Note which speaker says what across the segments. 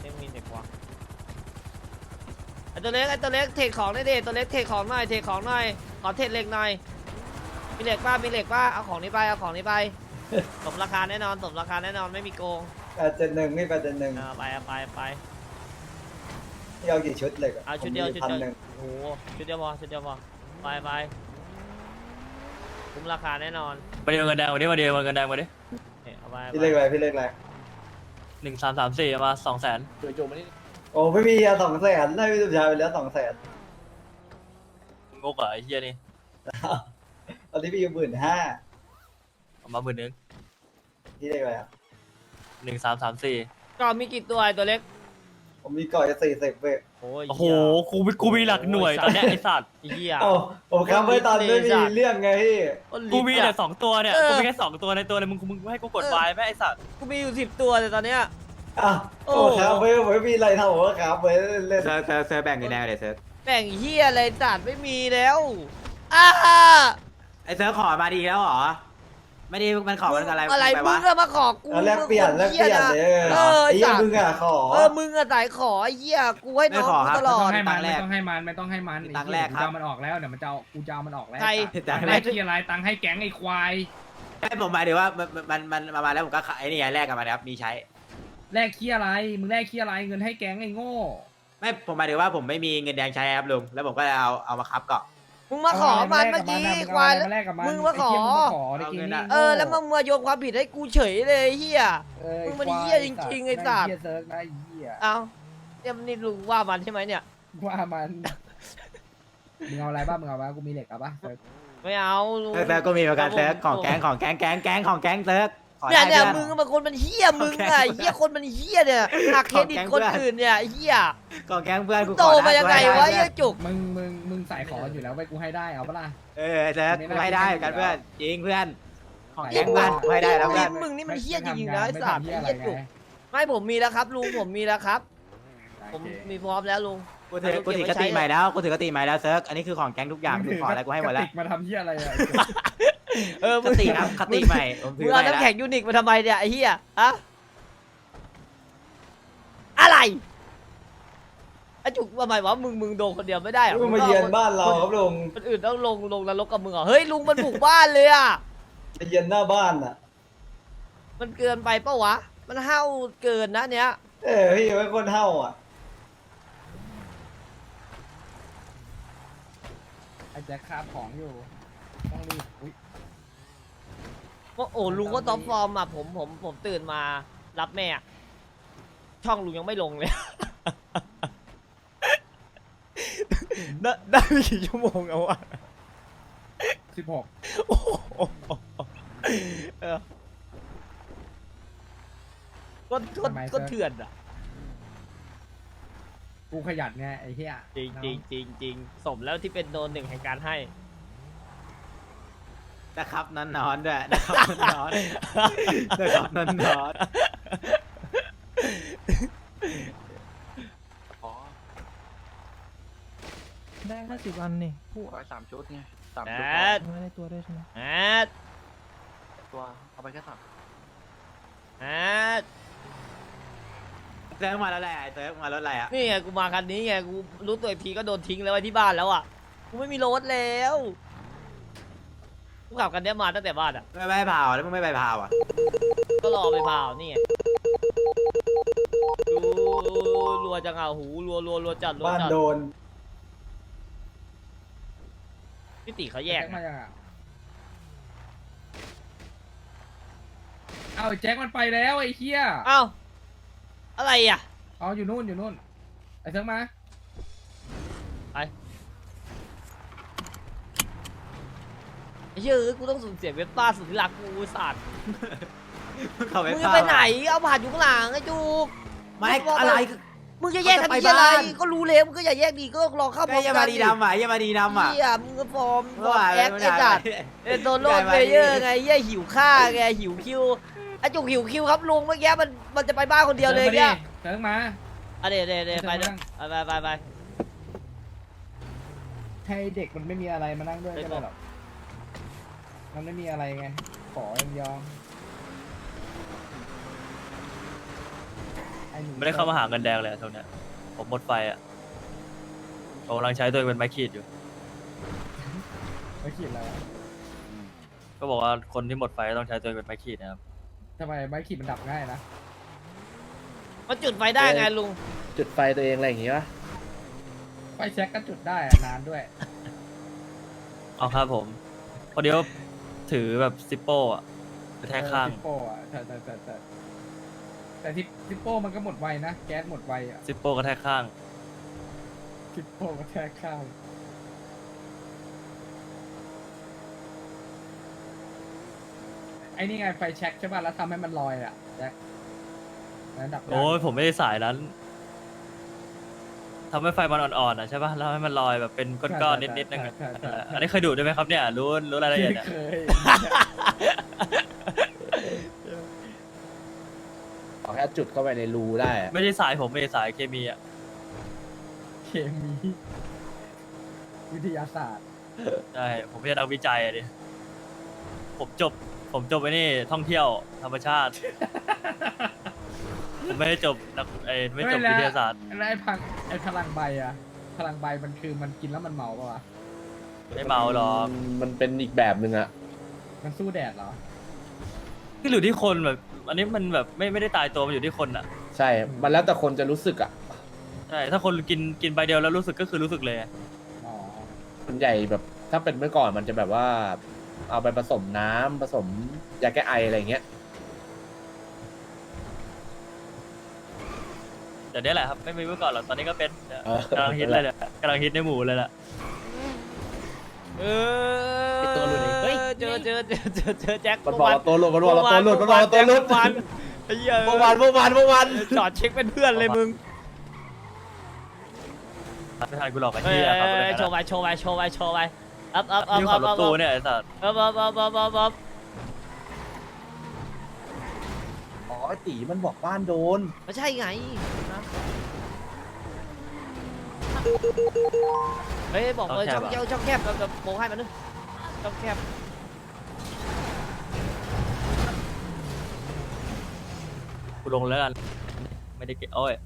Speaker 1: ยังมีเด็กวะไอตัวเล็กเทคของได้ดิตัวเล็กเทคของหน่อยขอเทคเหล็กหน่อยมีเหล็กป้าเอาของนี้ไปสมราคาแน่นอนไม่มีโกง
Speaker 2: 871นี่871
Speaker 1: ไป
Speaker 2: นี่เอากี่ชุดเลยอะ
Speaker 1: เอาชุดเดียว
Speaker 2: ผมมี1,100
Speaker 1: โอ้โหชุดเดียวพอไปคุ้มราคาแน่นอน
Speaker 3: มาเดียวกันแดงมาดิมากันแดงมาดิ
Speaker 1: เอาไป
Speaker 2: พี่เล็กอะไร
Speaker 3: 1334มา200,000
Speaker 2: โอ้ไม่มีอะ200,000ได้พี่สุชายไปแล้ว200,000
Speaker 3: งกอ่ะไอ้เหี้ยนี่
Speaker 2: ตอนนี้พี่อยู่15,000
Speaker 3: เอามา10,000
Speaker 2: พี่เล็กอะไรอะ
Speaker 3: 1334
Speaker 1: ก็มีกี่ตัวไอตัวเล็ก
Speaker 2: ผมมีก่อนจะ40เว้ย
Speaker 3: โอ้โหกูมีหลักหน่วยตอนเนี้ยไอ้สัตว์
Speaker 1: เหี้ย
Speaker 2: เอ้าผมค้ำไว้ตอนไม่มีเรื่องไงพี่
Speaker 3: กูมีแต่2ตัวเนี่ยกูมีแค่2ตัวในตัวเลยมึงให้กูกดวายไหมไอ้สัตว์
Speaker 1: กูมีอยู่10 ตัวเลยตอนเนี้ย
Speaker 2: อ่ะโอ้ค้ำไว้ผมไม่มีอะไรทำผมก็ค้ำไว้เล่น
Speaker 4: เซิร์ฟแบ่งกันแน่เลยเซิร์ฟ
Speaker 1: แบ่งเหี้ยอะไรจัดไม่มีแล้วอ้า
Speaker 4: ไอเซิร์ฟขอมาดีแล้วเหรอไม่ได้มันขอมันอะไร
Speaker 1: อะไร
Speaker 4: ไป
Speaker 1: มึ
Speaker 4: วะ
Speaker 1: งก็มาขอกู
Speaker 2: เอาแลกเปลี่ยน
Speaker 1: มึง
Speaker 2: เลยไอ้เหี้ยมึงอะขอ
Speaker 1: มึงอะสายขอไอ้เหี้ยกูให้น้องกูตลอด
Speaker 5: ไม่ต้องให้มันตังแรกครับมันออกแล้วเดี๋ยวกูจะเอามันออกแล้ว
Speaker 1: ใคร
Speaker 4: ตัง
Speaker 5: แร
Speaker 4: แร
Speaker 5: ก
Speaker 4: ก
Speaker 5: ที่อะไรตังให้แก๊งไอ้ควาย
Speaker 4: ให้ผมหมายถึงว่ามันมาแล้วผมก็ไอ้นี่แลกกันมาครับมีใช้
Speaker 5: แรกขี้อะไรมึงแรกขี้อะไรเงินให้แก๊งไอ้โง่
Speaker 4: ไม่ผมหมายถึงว่าผมไม่มีเงินแดงใช้ครับลุงแล้วผมก็เอามาคับเกาะ
Speaker 1: มึงมาขอมันเมื่อกี้ควาย มึงมาขอ
Speaker 5: ในเกมนี้
Speaker 1: แล้วมึงมาโยนความผิดให้กูเฉยเลยเฮีย มึงมันเหี้ยจริงๆไอ้สัตว์
Speaker 5: เหี้ยเซิร์ฟนะไอ้เหี้ย
Speaker 1: เอาเนี่ยนี่ลุงว่ามันใช่ไหมเนี่ย
Speaker 5: ว่ามันมึงเอาอะไรบ้างมึงเอาบ้างกูมีเหล็กเอาปะเซิร์ฟ
Speaker 1: ไม่เอาลุง
Speaker 4: เซิร์ฟก็มีเหมือนกันเซิร์ฟของแก๊งของแก๊งเซิร์ฟขอ
Speaker 1: เนี่ย
Speaker 4: ได้
Speaker 1: เนี่ย
Speaker 4: เพื่
Speaker 1: มึ
Speaker 4: อง
Speaker 1: มันคนมันเฮี้ยมึงอะเฮี้ยคนมันเฮี้ยเนี่ยหักเครดิตคนอื่นเนี่ยเฮี้ย
Speaker 4: ของแก๊งเพื่อนกู
Speaker 1: โต
Speaker 4: ขอ
Speaker 1: มา
Speaker 4: ได้
Speaker 1: ยังไงวะเฮี้ยจุก
Speaker 5: มึงใส่ขออยู่แล้วไปกูให้ได้เอาปะล่ะ
Speaker 4: เซิร์ฟกูให้ได้เหมือนกันเพื่อนจริงเพื่อนของแก๊งเพื่อนกูให้ได้แล้วเพื่อน
Speaker 1: มึงนี่มันเฮี้ยจริงๆนะไอ้
Speaker 5: ไม่
Speaker 1: สัตว์
Speaker 5: ทำเหี้ย
Speaker 1: ไอ้
Speaker 5: อะไร
Speaker 1: เฮี้ยจุก
Speaker 5: ไง
Speaker 1: ไม่ผมมีแล้วครับลุงผมมีแล้วครับ ผมมีพร้อมแล้วลุง
Speaker 4: กูถือกติใหม่แล้วกูถือกติใหม่แล้วเซิร์ฟอันนี้คือของแก๊งทุกอย่างกูขออะไรกูให้หมดแล้ว
Speaker 5: กระติกมาทำเหี้ยอะไรอะ
Speaker 1: มึ
Speaker 4: ค
Speaker 1: ง
Speaker 4: ติครับคติใหม่ผมถื
Speaker 1: มึ
Speaker 4: อง
Speaker 1: เอา
Speaker 4: ใหม่
Speaker 1: น้ำ
Speaker 4: แล้ว
Speaker 1: แข็งยูนิคมาทำไมเนี่ยไอ้เฮี้ยอะอะไรไอ้จุกทำไมวะมึงโดนคนเดียวไม่ได้หรอ
Speaker 2: มึงมาเยือนบ้านเราครับลุง
Speaker 1: คนอื่นต้องลงนรกกับมึงเหรอเฮ้ยลุงมันบุกบ้านเลยอ่ะ
Speaker 2: มาเยือนหน้าบ้านอ่ะ
Speaker 1: มันเกินไปปะวะมันห้าวเกินนะเนี้ย
Speaker 2: พี่ไว้คนเฮาอ่ะ
Speaker 5: ไอ้แจ็คคาบของอยู่ต้องรีบอุ้ย
Speaker 1: ว่าโอ้ลุงก็ท็อปฟอร์มอ่ะผมตื่นมารับแม่อะช่องลุงยังไม่ลงเลย ได้ไม่กี่ชั่วโมงเอาวะ
Speaker 5: 16
Speaker 1: โอ้โหเออก็เถื่อนอ่ะ
Speaker 5: กูขยันไงไอ้เหี้ย
Speaker 1: จริงสมแล้วที่เป็นโดนหนึ่งแห่งการให้
Speaker 4: นะครับนอนด้วยนะครับนอนนะครับนอน
Speaker 6: ได้50 อันนี่
Speaker 7: ผู้เอา3 ชุดไง3
Speaker 1: แอ
Speaker 7: ชุด
Speaker 1: ด
Speaker 6: ไม่ได้ตัวด้วยใช่ไหม
Speaker 1: แอด
Speaker 7: ตัวเอาไปแค่3
Speaker 1: แอด
Speaker 4: เซิร์ฟมาแล้วแหละเซิร์ฟมาแล้วอะไรอ่ะ
Speaker 1: นี่ไงกูมาคันนี้ไงกูรู้ตัวอีกทีก็โดนทิ้งแล้วไว้ที่บ้านแล้วอ่ะกูไม่มีรถแล้วกูขับกันเนี้ยมาตั้งแต่บ้านอ่ะ
Speaker 4: ไม่ไปเผาแล้วมึงไม่ไปเผาอ่ะ
Speaker 1: ก็รอไปเผานี่ไงดูรัวจังอ่ะหูรัวจัดรัว
Speaker 2: บ้าน
Speaker 1: จัด
Speaker 2: โดน
Speaker 1: พี่ติเขาแยก
Speaker 5: แจ็คมายังอ่ะเอาไอ้แจ็คมันไปแล้วไอ้เหี้ย
Speaker 1: เอ้าอะไรอ่ะ
Speaker 5: เอาอยู่นู่นไอ้เซิร์ฟมา
Speaker 1: ไอ้เหี้ยกูต้องสูญเสียเว็บป้าสุดที่รักกูสัตว์
Speaker 4: เขาไป
Speaker 1: มึงจะ
Speaker 4: เผา
Speaker 1: ไปไหนเอาผ่านอยู่ข้างหลังไอ้จุก
Speaker 4: ไม่อะไร
Speaker 1: มึงจะแยกกัน
Speaker 4: เขาจะ
Speaker 1: ที่อะไร
Speaker 4: ไปบ้าน
Speaker 1: ก็รู้แล้วมึงก็อย่าแยกดีก็ลองเข้าพร้อม
Speaker 4: อย่า
Speaker 1: กั
Speaker 4: มาน ดีดำอ่ะอย่ามาดีดำอ่ะ
Speaker 1: เหี้ยมึงก็ฟอร์ม
Speaker 4: เมื่อวาน
Speaker 1: แอคไอ้จัดเป็นโดนโลดเพลเยอร์ไงเหี้ยหิวข้าไงหิวคิวไอ้จุกหิวคิวครับลุงเมื่อกี้มันจะไปบ้านคนเดียวเลยเนี่ย
Speaker 5: เซิร์ฟมา
Speaker 1: อ่ะเดี๋ยวไปเดี๋ยวไป
Speaker 5: ให้เด็กมันไม่มีอะไรมานั่งด้วยก็ได้หรอกมันไม่มีอะไรไงขอยังยอมไออ้หนู
Speaker 3: ไม่ได้เข้ามาหาเงินแดงเลยอะช่วงเนี้ยผมหมดไฟอ่ะผมกำลังใช้ตัวเองเป็นไม้ขีดอยู่
Speaker 5: ไม่ขีดแล้วะ
Speaker 3: ก็บอกว่าคนที่หมดไฟต้องใช้ตัวเองเป็นไม้ขีดนะครับ
Speaker 5: ทำไมไม่ขีดมันดับง่ายนะ
Speaker 1: มันจุดไฟได้ไงลุง
Speaker 8: จุดไฟตัวเองอะไรอย่างงี้ปะ
Speaker 5: ไฟแช็กก็จุดได้อะนานด้วย
Speaker 3: เอาครับผมพอดีว่าถือแบบซิปโป้อะกระแทกข้าง
Speaker 5: ซิปโป้อะแต่ซิปโป้มันก็หมดไวนะ แก๊สหมดไวอะ
Speaker 3: ซิปโป้กระแทกข้าง
Speaker 5: ซิปโป้ก็แทกข้าวไอ้นี่ไงไฟแช็กใช่ป่ะแล้วทำให้มันลอยอะแจ็คแล้วดับได้
Speaker 3: โอ้ยผมไม่ได้สายนั้นทำให้ไฟมันอ่อนๆอ่ะใช่ป่ะแล้วให้มันลอยแบบเป็นก้อนๆนิดๆนึงอะ
Speaker 5: ใช่ใช่
Speaker 3: อันนี้เคยดูด้วยไหมครับเนี่ยรู้รายละเอียดอะ
Speaker 5: เคย
Speaker 8: ขอแค่จุดเข้าไปในรูได้อะ
Speaker 3: ไม่ใช่สายผมไม่ใช่สายเคมีอ่ะ
Speaker 5: เคมีวิทยาศาสตร์
Speaker 3: ใช่ผมไม่ใช่นักวิจัยอะดิผมจบไอ้นี่ท่องเที่ยวธรรมชาติ ผมไม่ได้จบนักไม่จบวิทยาศาสตร์
Speaker 5: แล้วไอ้พลังใบอะพลังใบมันคือมันกินแล้วมันเมาปะวะ
Speaker 3: ไม่เมาหรอก
Speaker 8: มันเป็นอีกแบบหนึ่งอะ
Speaker 5: มันสู้แดดเหรอ
Speaker 3: ที่อยู่ที่คนแบบ อันนี้มันแบบไม่ได้ตายตัวมันอยู่ที่คนอ่ะ
Speaker 8: ใช่ มันแล้วแต่คนจะรู้สึกอะ
Speaker 3: ใช่ถ้าคนกินใบเดียวแล้วรู้สึกก็คือรู้สึกเลย
Speaker 5: อ๋อ
Speaker 8: ส่วนใหญ่แบบถ้าเป็นเมื่อก่อนมันจะแบบว่า เอาไปผสมน้ำผสมยาแก้ไออะไรอย่างเงี้ย
Speaker 3: แต่เนี้ยแหละครับไม่มีเมื่อก่อนหรอกตอนนี้ก็เป็น
Speaker 8: เออ
Speaker 3: กำลังฮิตเลยเนี่ยกำลังฮิตในหมู่เลยแหละ
Speaker 1: ไอ้ตัวหลุดเฮ้ยเจอแจ็ค
Speaker 8: มันบอกว่าตัวหลุดมันบอกว่าตัวหลุดมันบอกว่าตัวหลุด
Speaker 1: วันไอ้เหี้ย
Speaker 8: เมื่อวาน
Speaker 1: จอดเช็คเป็นเพื่อนเลยมึง
Speaker 3: ไม่ทันกูหลอกไอ้
Speaker 1: เฮ้ย
Speaker 3: เหี้ยครับ
Speaker 1: โชว์ไปอัพ
Speaker 3: นี่ขับรถตู้เนี่ยไอ้สัส
Speaker 1: อัพ
Speaker 8: อ๋อไอตีมันบอกบ้านโดน
Speaker 1: ไม่ใช่ไงนะเฮ้ยบอกเลยช่องแคบเราโมให้มันนึงช่องแคบ
Speaker 3: กูลงแล้วกันไม่ได้เก็บโอ้ย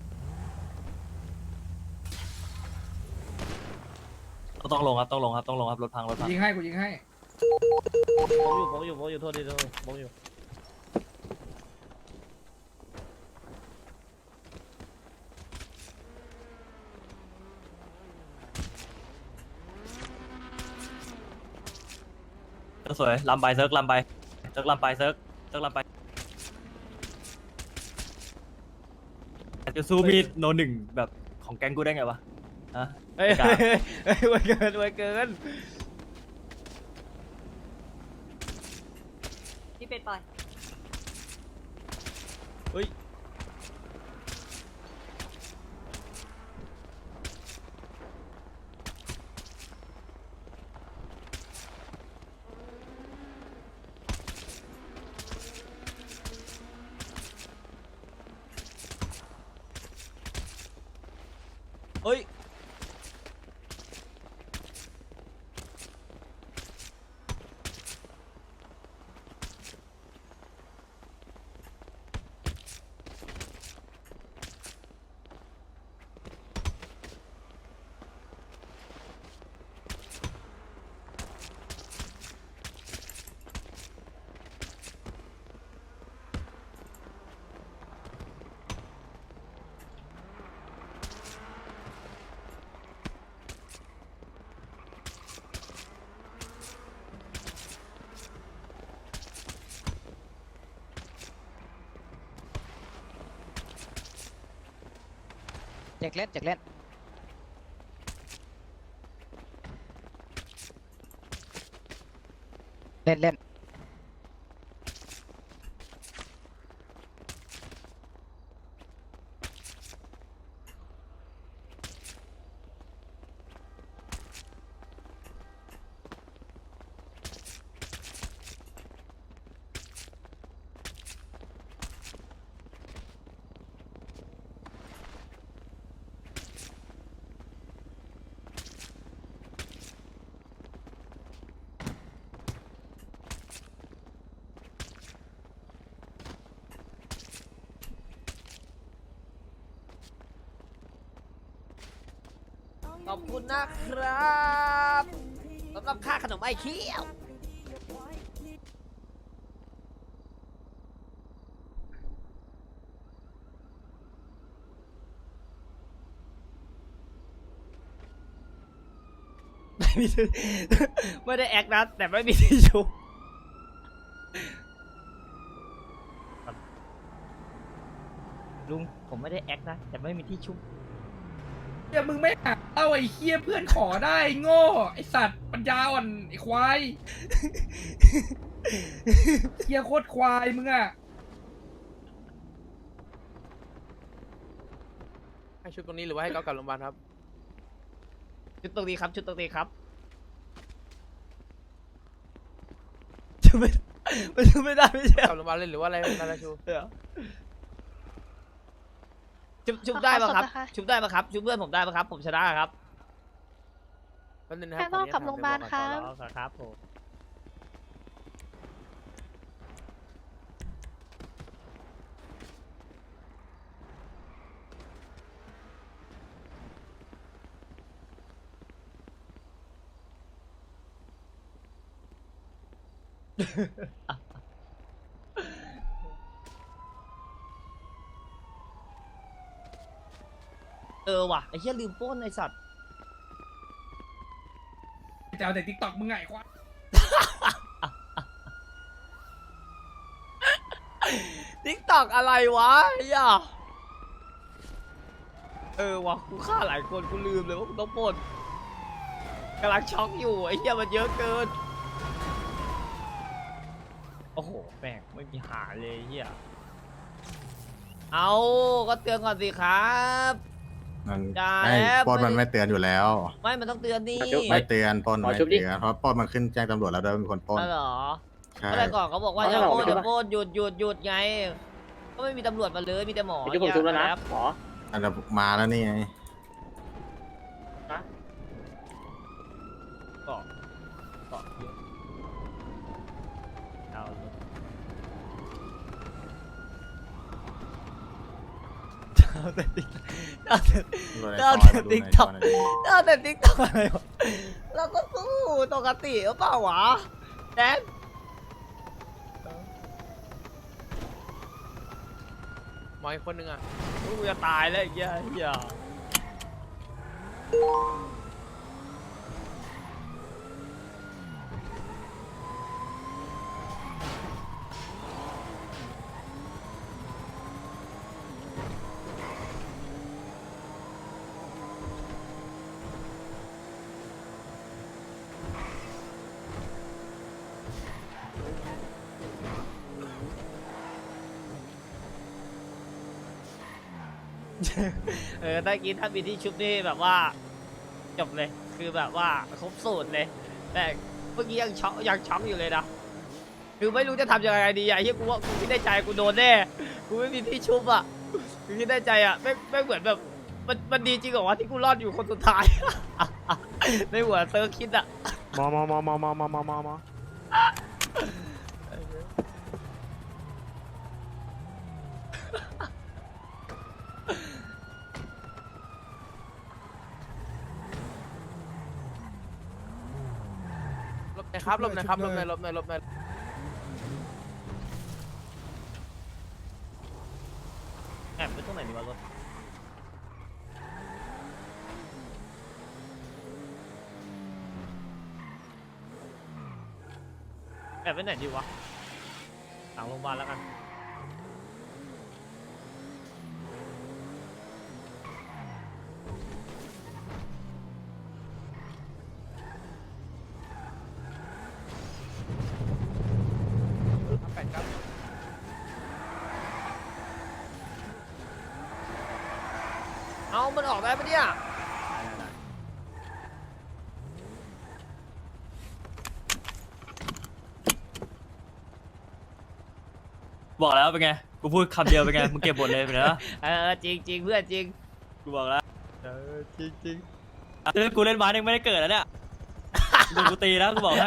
Speaker 3: ต้องลงครับต้องลงครับรถพัง
Speaker 5: ยิงให้กูยิงให้
Speaker 1: ผมอยู่โทษทีผมอยู่
Speaker 3: สวยลำไปเซิร์กลำไปเซิร์กลำไปจะสู้มีดโนหนึ่งแบบของแก๊งกูได้ไงวะฮะ
Speaker 1: เฮ้ย
Speaker 3: กล้า
Speaker 1: ไวเกิน
Speaker 9: พี่เป็ดปล่อย
Speaker 1: เฮ้ยเฮ้ย
Speaker 4: แจกเล่นแจกเล่นเล่น
Speaker 1: ขอบคุณนะครับสำหรับค่าขนมไอ้เคี้ยว ไม่มีไม่ได้แอคนะแต่ไม่มีที่ชุบลุงผมไม่ได้แอคนะแต่ไม่มีที่ชุบ
Speaker 5: เฮียมึงไม่หาเอาไอ้เฮียเพื่อนขอได้โง่ไอสัตว์ปัญญาอ่อนไอควายเฮียโคตรควายมึงอะ
Speaker 7: ให้ชุดตรงนี้หรือว่าให้เขากลับโรงพยาบาลครับ
Speaker 1: ชุดตรงนี้ครับชุดตรงนี้ครับชุบไม่มันชุบไม่ได้ไม่ใช่
Speaker 7: กลับโรงพยาบาลเลยหรือว่าอะไรนาราชู
Speaker 1: ชุบได้ปะครับชุบได้ปะครับชุบเพื่อนผมได้ปะครับผมชนะครับ
Speaker 7: แป๊บนึงนะค
Speaker 9: แค่
Speaker 7: รับ
Speaker 9: ต้องกลับโรงพยาบาลครับ
Speaker 1: ครับผม ว่ะไอ้เหี้ยลืมปล้นไอ้สัตว์
Speaker 5: จะเอาแต่ติ๊กต็อกมึงไงควาย
Speaker 1: ทิกตอกอะไรวะไอ้เหี้ยว่ะกูฆ่าหลายคนกูลืมเลยว่ากูต้องปล้นกำลังช็อกอยู่ไอ้เหี้ยมันเยอะเกินโอ้โหแม่งไม่มีหาเลยไอ้เหี้ยเอาก็เตือนก่อนสิครับ
Speaker 10: มัน
Speaker 1: อย่า
Speaker 10: ไม่
Speaker 1: แล้ว
Speaker 10: ปล้นมันไม่เตือนอยู่แล้ว
Speaker 1: ไม่มันต้องเตือนดิ
Speaker 10: ไม่เตือนปล้น
Speaker 8: ขอ
Speaker 10: ไม่
Speaker 8: ชุบดิ
Speaker 10: เตือนเพราะปล้นมันขึ้นแจ้งตำรวจแล้วด้วยเป็นคนปล้น
Speaker 1: อ๋อเหรอ
Speaker 10: ใช่
Speaker 1: เมื่อไหรก่อนเขาบอกว่าอย่า
Speaker 8: เอา
Speaker 1: โปล้น
Speaker 8: เหรอ
Speaker 1: อย่าโปล้นหยุดไงก็ไม่มีตำรวจมาเลยมีแต่หมอ
Speaker 8: เดี๋ยวผมชุบแล้วนะ
Speaker 1: อย่า
Speaker 8: หมอ
Speaker 10: อันนั้นมาแล้วนี่ไง
Speaker 1: เกาะเกาะเยอะเอาเลยเอาแต่ติ๊กเอาแต่ เอาแต่ TikTok เอาแต่ติ๊กต็อกอะไรวะเราก็สู้ปกติหรือเปล่าวะแดน
Speaker 7: หมออีกคนนึงอ่ะ
Speaker 1: กูจะตายแล้วไอ้เหี้ยเหี้ยได้กินถ้ามีที่ชุบนี่แบบว่าจบเลยคือแบบว่าครบสูตรเลยแต่เมื่อกี้ยังช็อกอยู่เลยนะคือไม่รู้จะทำยังไงดีอ่ะเฮียกูว่ากูคิดในใจกูโดนแน่กูไม่มีที่ชุบอ่ะกูคิดในใจอ่ะไม่เหมือนแบบมันดีจริงเหรอวะที่กูรอดอยู่คนสุดท้าย ในหัวเซิร์ฟคิดอ่ะ
Speaker 3: มา
Speaker 7: ลบหน่อยครับลบหน่อยครับลบหน่อยลบหน่อยลบหน่อย
Speaker 1: แอบไปตรงไหนดีวะรถแอบไปไหนดีวะหลังโรงพยาบาลแล้วกันเอามันออกได้ปะเนี่ย
Speaker 3: บอกแล้วเป็นไง กูพูดคำเดียวเป็นไง มึงเก็บบทเลยเป็นไงวะ
Speaker 1: จริงเพื่อนจริง
Speaker 3: กูบอกแล้ว
Speaker 1: จริง
Speaker 3: กูเล่นไม้ยังไม่ได้เกิดแล้วเนี่ยดูกูตีนะกูบอกให้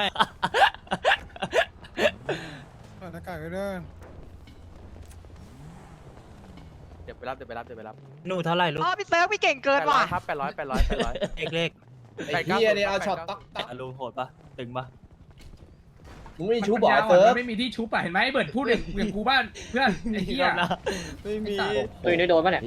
Speaker 6: อากาศก็ได้
Speaker 7: เดี๋ยวไปรับ
Speaker 3: หนูเท่าไหร่ลูก
Speaker 4: อ๋อพี่เซิร์ฟพี่เก่งเกินว่ะ
Speaker 7: ครับ800
Speaker 3: เลข
Speaker 8: ไอ้เหี้ยนี่เอาช็อตต๊อกต๊อก
Speaker 3: ลุงโหดปะตึงปะ
Speaker 8: มึงไม่มีชูบอ
Speaker 5: ปั
Speaker 8: ก
Speaker 5: ญ
Speaker 8: ไอ้
Speaker 5: ญา
Speaker 8: เซิร์ฟ
Speaker 5: มันไม่มีที่ชุบอะเห็นไหมไอ้เบิร์ดพูดอย่างกูบ้านเพื่อนไอ้เหี้ย
Speaker 1: ไม่มี
Speaker 8: ตุยนี่โดนป่ะเนี่ย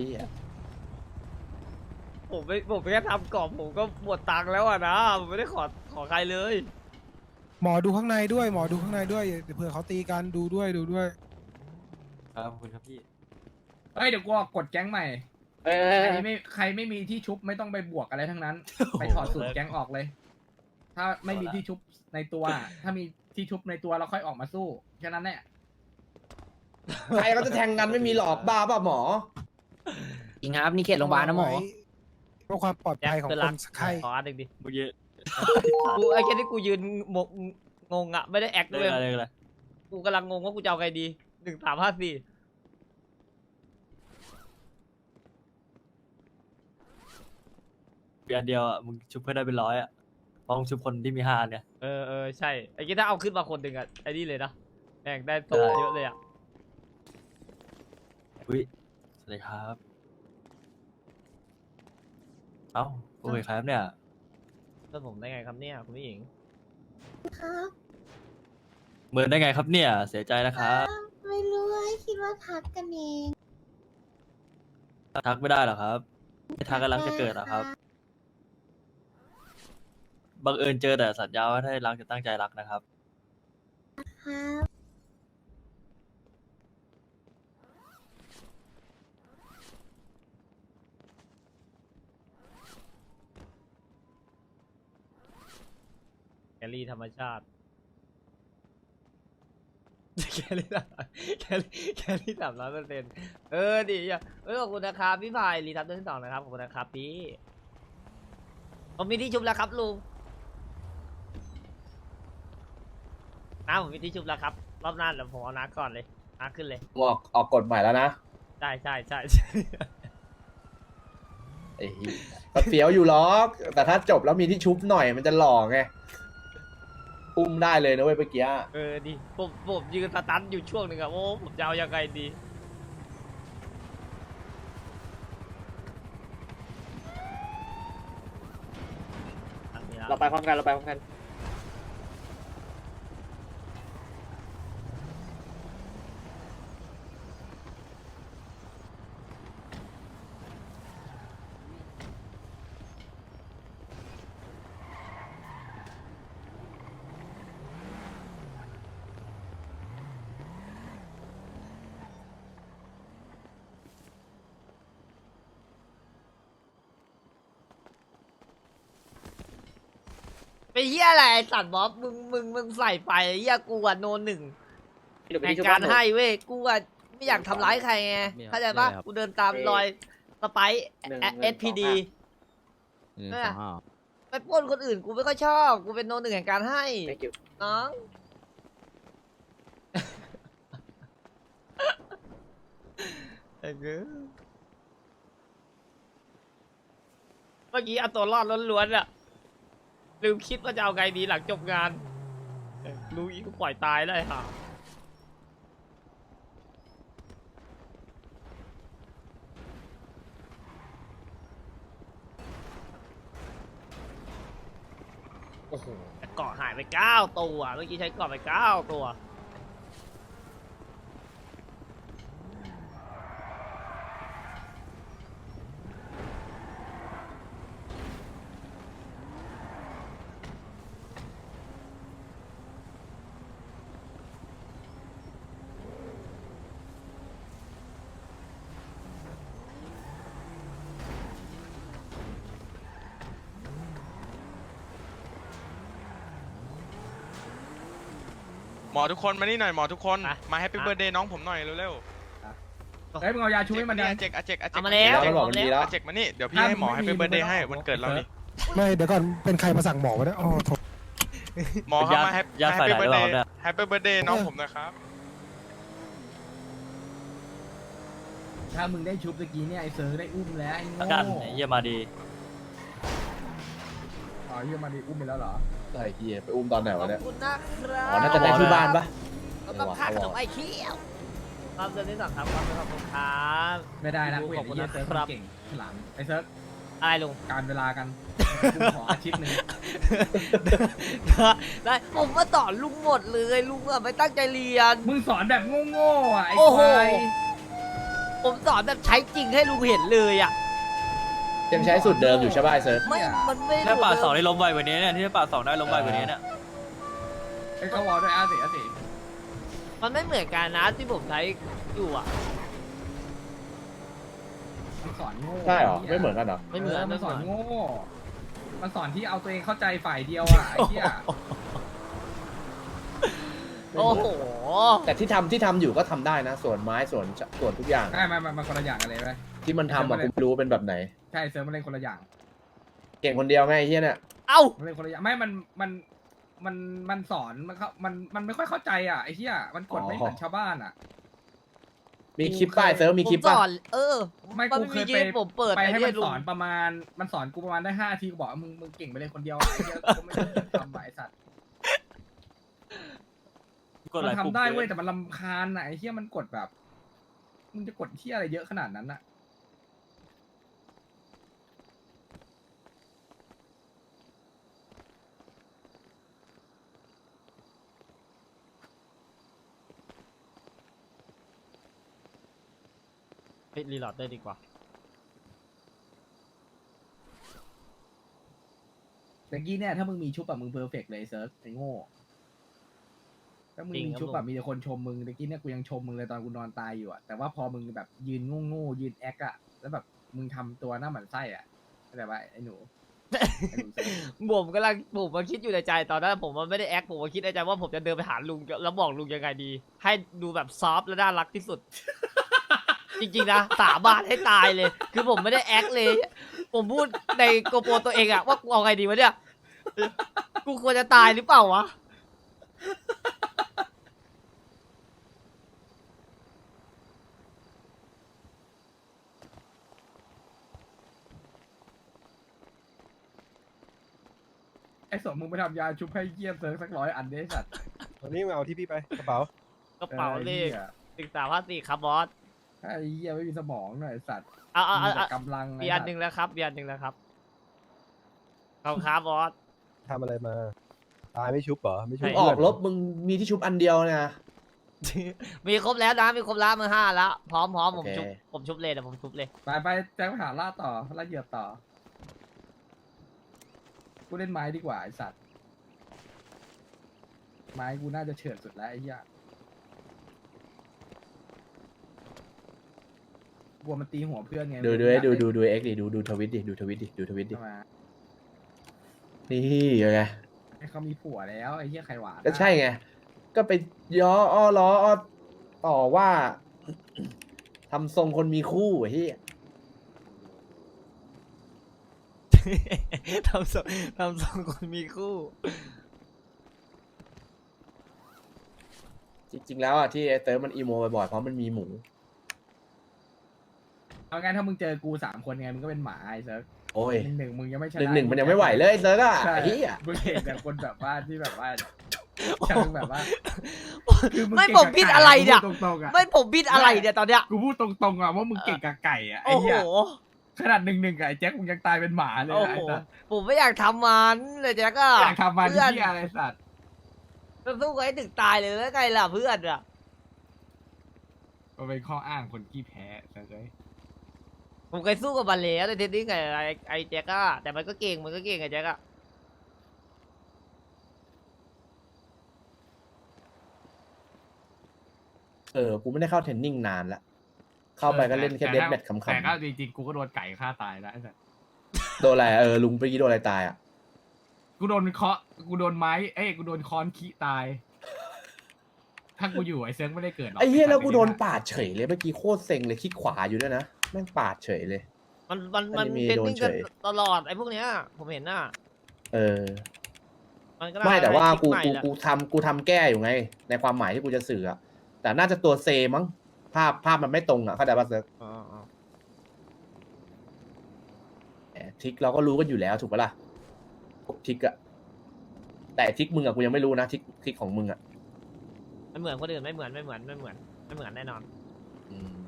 Speaker 1: ผมไม่แค่ทำกรอบผมก็หมดตังค์แล้วอะนะผมไม่ได้ขอใครเลย
Speaker 6: หมอดูข้างในด้วย หมอดูข้างในด้วยเดี๋ยวเผื่อเขาตีกันดูด้วย
Speaker 3: ครับขอบคุณครับพี่
Speaker 5: เฮ้ยเดี๋ยวกูออกกดแก๊งใหม่ใครไม่มีที่ชุบไม่ต้องไปบวกอะไรทั้งนั้น ไปถอดสูตรแก๊งออกเลย ถ้าไม่มีที่ชุบในตัว ถ้ามีที่ชุบในตัวเราค่อยออกมาสู้แค่นั้นแหละ
Speaker 8: ใครเขาจะแทงกันไม่มีหลอกบ้าป่ะหมอ
Speaker 4: จริงครับนี่เขตโรงพยาบาลนะหมอ
Speaker 6: เพื่อความปลอดภัยของคนไข้
Speaker 1: ขออันหนึ่งดิ
Speaker 3: เมื่อกี้
Speaker 1: กูไอ้แค่ที่กูยืนงงอะไม่ได้แอคด้วย
Speaker 3: อะไร
Speaker 1: กูกำลังงงว่ากูจะเอาไงดี1354
Speaker 3: อันเดียวอ่ะมึงชุบเพื่อนได้เป็น100อ่ะเพราะมึงชุบคนที่มี5เนี่ย
Speaker 1: ใช่ไอ้แค่ถ้าเอาขึ้นมาคนหนึ่งอะไอ้นี่เลยนะแม่งได้โตเยอะเลยอะ
Speaker 3: อุ้ยสวัสดีครับเอ้าโอเคครับเนี่ย
Speaker 1: เพื่อนผมได้ไงครับเนี่ยคุณผู้หญิง
Speaker 3: เหมือนได้ไงครับเนี่ยเสียใจนะครับ
Speaker 9: ไม่รู้คิดว่าทักกันเอง
Speaker 3: ทักไม่ได้หรอครับไม่ทักกันรักจะเกิดหรอครับบังเอิญเจอแต่สัญญาว่าถ้ารักจะตั้งใจรักนะครับ
Speaker 9: ครับ
Speaker 1: แคลรี่ธรรมชาติ แคลรี่300%ดีอ่ะขอบคุณนะครับพี่พายรีทับเรื่องที่ 2นะครับขอบคุณนะครับพี่ผมมีที่ชุบแล้วครับลุงผมมีที่ชุบแล้วครับรอบหน้าเดี๋ยวผมเอาน้าก่อนเลยน้าขึ้นเลย
Speaker 8: ออกกฎใหม่แล้วนะ
Speaker 1: ใช่
Speaker 8: ไอ้เหี้ยก็เฟี้ยวอยู่หรอกแต่ถ้าจบแล้วมีที่ชุบหน่อยมันจะหล่อไงอุ้มได้เลยนะเว้ยเมื่อกี้
Speaker 1: ดีผมยืนสตันอยู่ช่วงหนึ่งอะโอ้ผมจะเอายังไงดี
Speaker 4: เราไปพร้อมกัน
Speaker 1: ไปเฮียอะไรไอ้สัตว์บ๊อบมึงใส่ไปเฮียกูอะโนหนึ่งในการให้เว้ยกูอะไม่อยากทำร้ายใครไงเข้าใจปะกูเดินตามรอยสไปซ์ SPD ไปปล้นคนอื่นกูไม่ค่อยชอบกูเป็นโนหนึ่งแห่งการให้น้องเมื่อกี้เอาตัวรอดล้วนๆอะลืมคิดว่าจะเอาไงดีหลังจบงานรู้อีกก็ปล่อยตายได้ค่ะโอ้โหเกาะหายไป9 ตัวเมื่อกี้ใช้เกาะไป9 ตัว
Speaker 11: หมอทุกคนมานี่หน่อยหมอทุกคนมาแฮปปี้เบิร์ดเดย์น้องผมหน่อยเร็ว
Speaker 5: เฮ้ยมึงเอายาชุบให้มัน
Speaker 11: ๆ
Speaker 5: ยัง
Speaker 11: อาเจก
Speaker 1: เอามาแล้ว
Speaker 8: แล้วบอกมันดีแล้ว
Speaker 11: อาเจกมานี่เดี๋ยวพี่ให้หมอแฮปปี้เบิร์ดเดย์ให้วันเกิดเรานี่
Speaker 6: ไม่เดี๋ยวก่อนเป็นใครมาสั่งหมอวะเนี่ยอ๋อโถ
Speaker 11: หมอครับมาแฮป
Speaker 3: ญาติฝ่าย
Speaker 11: ปี้
Speaker 3: ไหน
Speaker 11: เบิร์ด
Speaker 3: ห
Speaker 11: เด
Speaker 3: รือ
Speaker 11: ย์
Speaker 3: เปล่าเนี่ย
Speaker 11: แฮปปี้เบิร์ดเดย์น้องผมนะครับ
Speaker 5: ถ้ามึงได้ชุบตะกี้เนี่ยไอ้เซิร์ฟได้อุ้มแล้วไอ้โง่
Speaker 3: กันไอ้เยี่ยมาดี
Speaker 5: อ๋อเฮียมาดิอุ้มไปแล้วเหรอ
Speaker 8: ไอ้เหี้ยไปอุ้มตอนไหน
Speaker 1: ขอ
Speaker 8: วะ
Speaker 1: บ
Speaker 8: เนี่ย
Speaker 1: คุณนะครับ
Speaker 8: อ๋อน่าจะได้ที่บ้านปะ
Speaker 1: แล้วก็ค่าขนมไอ้เขี้ยวครับเดือนที่สองครับขอบคุณครับ
Speaker 5: ไม่ได้นะกู
Speaker 1: ข
Speaker 5: เห็
Speaker 1: อน บ
Speaker 5: ไอ้
Speaker 1: คุณ
Speaker 5: เหี้ย
Speaker 1: นะ
Speaker 5: เซิร์ฟ
Speaker 1: ครับ
Speaker 5: เก่งฉลามไอ้เซิร์ฟ
Speaker 1: อะไรลุง
Speaker 5: การเวลากันกูขออาทิตย์หนึ่ง
Speaker 1: ได้ผมมาสอนลุงหมดเลยลุงอะไม่ตั้งใจเรียน
Speaker 5: มึงสอนแบบโง่ๆอ่ะไอ้
Speaker 1: โอ้โห
Speaker 5: ควาย
Speaker 1: ผมสอนแบบใช้จริงให้ลุงเห็นเลยอะ
Speaker 8: ยังใช้สูตรเดิมอยู่ใช่ป่ะไอ้เซิร์ฟ
Speaker 1: ไม่มันไม่
Speaker 3: ถ้าป่าดสอง
Speaker 1: ได้
Speaker 3: ได้ล้มไวกว่านี้เนี่ยที่ป่าดสองได้ล้มไวกว่านี้เนี่ย
Speaker 5: ไอ้เขาวอลด้วยอาเสียสิ
Speaker 1: มันไม่เหมือนกันนะที่ผมใช้อยู่อะ
Speaker 5: มันสอนโง่
Speaker 8: ใช่เหรอไม่เหมือนกันเหรอ
Speaker 1: ไม่เหมือน
Speaker 5: มันสอน
Speaker 1: ไม่เหมือน
Speaker 5: โง่ มันสอนที่เอาตัวเองเข้าใจฝ่ายเดียวอ่ะไอ้เหี้ย
Speaker 1: โอ้โห
Speaker 8: แต่ที่ทำอยู่ก็ทำได้นะ ส่วนไม้ส่วนทุกอย่าง
Speaker 5: ใช่มันคนละอย่างกันเลยไหม
Speaker 8: ที่มันทำอะกูไม่รู้เป็นแบบไหน
Speaker 5: ใช่เซิร์ฟมันเล่นคนละอย่าง
Speaker 8: เก่งคนเดียวไงไอ้เฮียเนี่ย
Speaker 1: เอ้า
Speaker 5: มันเล่นคนละอย่างไม่มันสอนมันไม่ค่อยเข้าใจอ่ะไอ้เหี้ยมันกดไม่เหมือนชาวบ้านอ่ะ
Speaker 8: มีคลิปป้ายเซิร์ฟมีคลิป
Speaker 1: ผมส
Speaker 8: ป่ะ
Speaker 1: อน
Speaker 5: ไม่
Speaker 1: มัน
Speaker 5: กูเคย
Speaker 1: มีคลิปผมเปิด
Speaker 5: ไปให้
Speaker 1: อ้
Speaker 5: มัน
Speaker 1: ลุ
Speaker 5: ส
Speaker 1: ง
Speaker 5: อนประมาณมันสอนกูประมาณได้5 ทีกูบอกว่ามึงเก่งไปเลยคนเดียวอะไอ้เหี้ยกูไม่ได้ทำอะไอ้สัตว์
Speaker 3: กดห
Speaker 5: มั
Speaker 3: ลาย
Speaker 5: น
Speaker 3: ปุ่ม
Speaker 5: ทำได้
Speaker 3: กิน
Speaker 5: เว้ยแต่มันรำคาญอะไอ้เหี้ยมันกดแบบมึงจะกดที่อะไรเยอะขนาดนั้นอะ
Speaker 1: รีโหลดได้ดีกว่า
Speaker 5: แต่กี้เนี่ยถ้ามึงมีชุบอะมึงเพอร์เฟกต์เลยเซิร์ฟไอ้โง่ถ้ามึงมีชุบแบบมีแต่คนชมมึงแต่กี้เนี่ยกูยังชมมึงเลยตอนกูนอนตายอยู่อะแต่ว่าพอมึงแบบยืนโง่ๆยืนแอคอะแล้วแบบมึงทำตัวหน้าหมันไส้อะเข้าใจปะไอ้หนูไอ้หนูเซิร์ฟ
Speaker 1: ผมมาคิดอยู่ในใจตอนนั้นผมมันไม่ได้แอคผมมาคิดในใจว่าผมจะเดินไปหาลุงแล้วบอกลุงยังไงดี ให้ดูแบบซอฟต์และน่ารักที่สุด จริงๆนะสาบานให้ตายเลย คือผมไม่ได้แอคเลย ผมพูดในโกโปรตัวเองอะว่ากูเอาไงดีวะเนี่ยกูควรจะตายหรือเปล่าวะ
Speaker 5: ไอ้สมมึงไปทำยาชุบให้เยี่ยมเซิร์ฟสัก100 อันได้สัตว์
Speaker 6: วันนี้มาเอาที่พี่ไปกระเป๋าก
Speaker 1: ระเป๋าเลข
Speaker 5: ไอ้หี้ย
Speaker 1: 1354ครับบอส
Speaker 5: ไอ้เหี้ยไม่มีสมองหน่อยไอ้สัตว์
Speaker 1: เอา
Speaker 5: มีแต่กำลัง
Speaker 1: มีอันหนึ่งแล้วครับมีอันหนึ่งแล้วครับขอบคุณครับบอส
Speaker 6: ทำอะไรมา ตายไม่ชุบเหรอ ไม่ชุบ
Speaker 1: ใช่
Speaker 8: ออกลบมึงมีที่ชุบอันเดียวนะ
Speaker 1: มีครบแล้วนะมีครบแล้วมือ5แล้วพร้อมผม
Speaker 8: โอเค
Speaker 1: ผมชุบเลยเดี๋ยวผมชุบเลย
Speaker 5: ไปแจ้งไปหาล่าต่อล่าเหยื่อต่อกูเล่นไม้ดีกว่าไอ้สัตว์ไม้กูน่าจะเฉิดสุดแล้วไอ้เหี้ยกลัวมันตีหัวเพื่อนไง
Speaker 8: ดู
Speaker 5: มึงอยาก
Speaker 8: ดูเอ็กดิดูทวิตดิดูทวิตดิ
Speaker 5: เข้ามา
Speaker 8: นี่ยังไง
Speaker 5: ให้เขามีผัวแล้วไอ้เหี้ยใครหวาน
Speaker 8: ก็ใช่ไง ก็ไปย้ออ้อล้ออ้อต่อว่า ทำทรงคนมีคู่ไอ้เหี้ย
Speaker 1: ทำทรงคนมีคู่
Speaker 8: จริงๆแล้วอ่ะที่ไอ้เติร์ฟมันอีโมบ่อยๆเพราะมันมีหมู
Speaker 5: เอางั้นถ้ามึงเจอกู3 คนไงมึงก็เป็นหมาไอ้เซิร์ฟ
Speaker 8: โอ้ย
Speaker 5: หนึ่งมึงยังไม่ชนะ
Speaker 8: หนึ่งมันยังไม่ไหวเลยไอ้เติร์ฟอ่ะ
Speaker 5: ใช่
Speaker 8: ไอ้เหี้ย
Speaker 5: มึงเห็นแต่คนแบบว่าที่แบบว่าเชิงแบบว่าคือง
Speaker 1: ไม่
Speaker 5: เก่ง
Speaker 1: ผม
Speaker 5: กับ
Speaker 1: ผิด
Speaker 5: ก่
Speaker 1: อะไรเนี่ย
Speaker 5: กูพูดตรงๆอะ
Speaker 1: ไม่ผมผิดอะไรเนี่ยตอนเนี้ย
Speaker 5: กูพูดตรงๆอะว่ามึงเก่งกับไก่อะไอ้
Speaker 1: โอ้โห
Speaker 5: เหี้ยขนาด1-1กับไอ้แจ็คมึงยังตายเป็นหมาเลย
Speaker 1: โอ้
Speaker 5: อะ
Speaker 1: โห
Speaker 5: ไอ้สัส
Speaker 1: ผมไม่อยากทำมันเลยแจ็คอะ
Speaker 5: อยากทำมัน
Speaker 1: เพื่อน
Speaker 5: ที่อะไรสัตว์
Speaker 1: จะสู้กับไอ้ถึงตายเลยแล้วไงล่ะเพื่อนอะ
Speaker 5: มันเป็นข้ออ้างคนขี้แพ้เลย
Speaker 1: ผมเคยสู้กับมันแล้วในเทนนิสกับไอ้แจ็คอะแต่มันก็เก่งไอ้แจ็คอะ
Speaker 8: กูไม่ได้เข้าเทรนนิ่งนานละ เข้าไปก็เล่นแค่เดสแบทขำ
Speaker 5: แต่ก็จริงๆกูก็โดนไก่ฆ่าตายแล้วไอ้สัส
Speaker 8: ๆโดนอะไรลุงเมื่อกี้โดนอะไรตายอ่ะ
Speaker 5: กูโดนกูโดนไม้กูโดนค้อนขี้ตาย ถ้ากูอยู่ไอ้เซิร์ฟไม่ได้เกิดหรอก
Speaker 8: ไอ้เหี้ยแล้วกูโดนปาดเฉยเลยเมื่อกี้โคตรเซ็งเลยคลิกขวาอยู่ด้วยนะแม่งปาดเฉยเลย
Speaker 1: มัน
Speaker 8: อันนี้มี
Speaker 1: เทน
Speaker 8: โดน
Speaker 1: นิส
Speaker 8: เฉ
Speaker 1: กัน
Speaker 8: ย
Speaker 1: ตลอดไอ้พวกเนี้ยผมเห็นน่ะ
Speaker 8: เออ
Speaker 1: มันก็น่
Speaker 8: ไม่แต่ว่า
Speaker 1: ให้
Speaker 8: กู
Speaker 1: คิดใหม่แหละ
Speaker 8: กูทำแก้อยู่ไง ในความหมายที่กูจะสื่ออะแต่น่าจะตัวเซมั้งภาพมันไม่ตรงอะเข้าใจป่ะเซิร์ฟ
Speaker 1: อ๋อ
Speaker 8: ทิกเราก็รู้กันอยู่แล้วถูกปะล่ะพวกทิกอะแต่ทิกมึงอะกูยังไม่รู้นะทิกของมึงอะ
Speaker 1: ไม่เหมือนคนอื่นไม่เหมือนแน่นอน
Speaker 8: อืม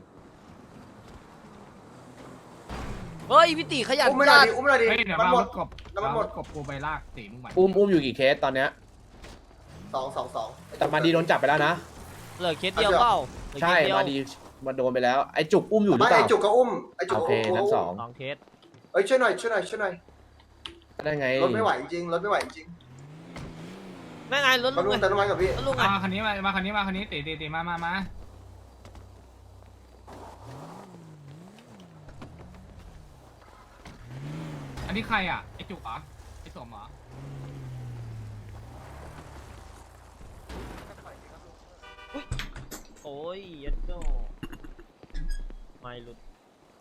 Speaker 1: เฮ้ยพี่ตีขยัน
Speaker 2: อุ้มไม่ได้
Speaker 1: จัด
Speaker 2: ดิอุ้มไม่ได้ดิ
Speaker 5: เฮ้ยเดี๋ยว
Speaker 2: มัน
Speaker 5: มา
Speaker 2: หม
Speaker 5: ร
Speaker 2: ด
Speaker 5: ถกบ
Speaker 2: น้ำมันหมด
Speaker 5: รถกบกูไปลากตีมึงไหว
Speaker 8: อุ้มอยู่กี่เคสตอนเนี้ย
Speaker 2: 2
Speaker 8: แต่มาดีโดนจับไปแล้วนะ
Speaker 1: เหลือเคสเดียวเปล่าเหลือ
Speaker 8: ใช่
Speaker 1: เคสเดียว
Speaker 8: มาดีมาโดนไปแล้ว ไอ้จุกอุ้มอยู่หรือ
Speaker 2: ไม่
Speaker 8: เปล่า
Speaker 2: ไอจุกก็อุ้มไอจุก
Speaker 8: โอเคทั้งสอง
Speaker 1: 2 เคส
Speaker 2: เอ้ยช่วยหน่อย
Speaker 8: ได้ไง
Speaker 2: รถไม่ไหวจริงรถไม่ไหวจริง
Speaker 1: แม่งไงรถ
Speaker 2: มา
Speaker 1: ลุ
Speaker 2: ลุ
Speaker 1: ง
Speaker 2: ง
Speaker 1: ไง
Speaker 2: แต่น้ำมันกับพี่
Speaker 1: รถลุงไง
Speaker 5: มาคันนี้มาคันนี้ตีมาอันนี้ใครอ่ะไอจุกเหรอไอสมเหรอ
Speaker 1: โอ้ยยัดโจ้ไม่หลุด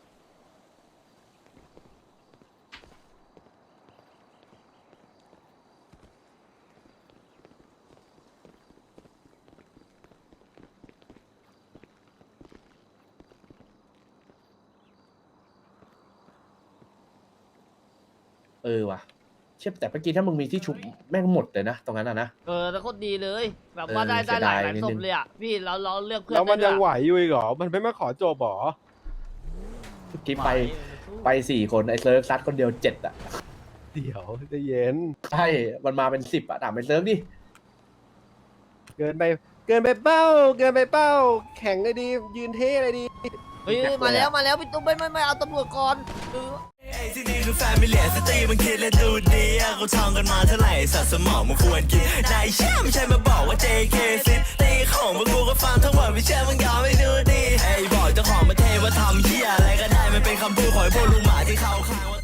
Speaker 8: ว่ะเชื่อแต่เมื่อกี้ถ้ามึงมีที่ชุบแม่งหมดเลยนะตรงนั้นนะ
Speaker 1: แล้วโคตรดีเลย แบบว่า
Speaker 8: เออ
Speaker 1: ได้
Speaker 8: เสีย
Speaker 1: หลา
Speaker 8: ดาย ย
Speaker 1: หลาย
Speaker 8: นิด
Speaker 1: ศ
Speaker 8: นึ
Speaker 1: พ
Speaker 8: ง
Speaker 1: เลยอ่ะพี่เราเลือกเพื่อน
Speaker 6: แล้วมันยังไหว
Speaker 1: ด้
Speaker 6: อยู่อีกเหรอ มันไม่มาขอจบหรอ
Speaker 8: เมื่อกี้ไป4 คนไอ้เซิร์ฟซัดคนเดียว7อ่ะ
Speaker 6: เดี๋ยวใจะเย็น
Speaker 8: ใช่มันมาเป็น10อ่ะถามไอ้เซิร์ฟดิ
Speaker 6: เกินไปเป้า แข่งเลยดี ยืนเท่เลยดี
Speaker 1: เฮ้ยมาแล้วพี่ตุ้มไม่เอาตำรวจก่อน
Speaker 12: ที่นี่คือแฟมิเลียสตรีมันคิดและดูดีอะเขาท่องกันมาเท่าไหร่สัตว์สมองมันควรกินนายเชื่อไม่ใช่มาบอกว่า JK ซิตีของพวกกูก็ฟังทั้งหมดไม่เชื่อมึงยอมไม่ดูดีไอ้บอกเจ้าของประเทศว่าทำเหี้ยอะไรก็ได้มันเป็นคำพูดของไอ้พวกลุงหมาที่เขาข้างว่า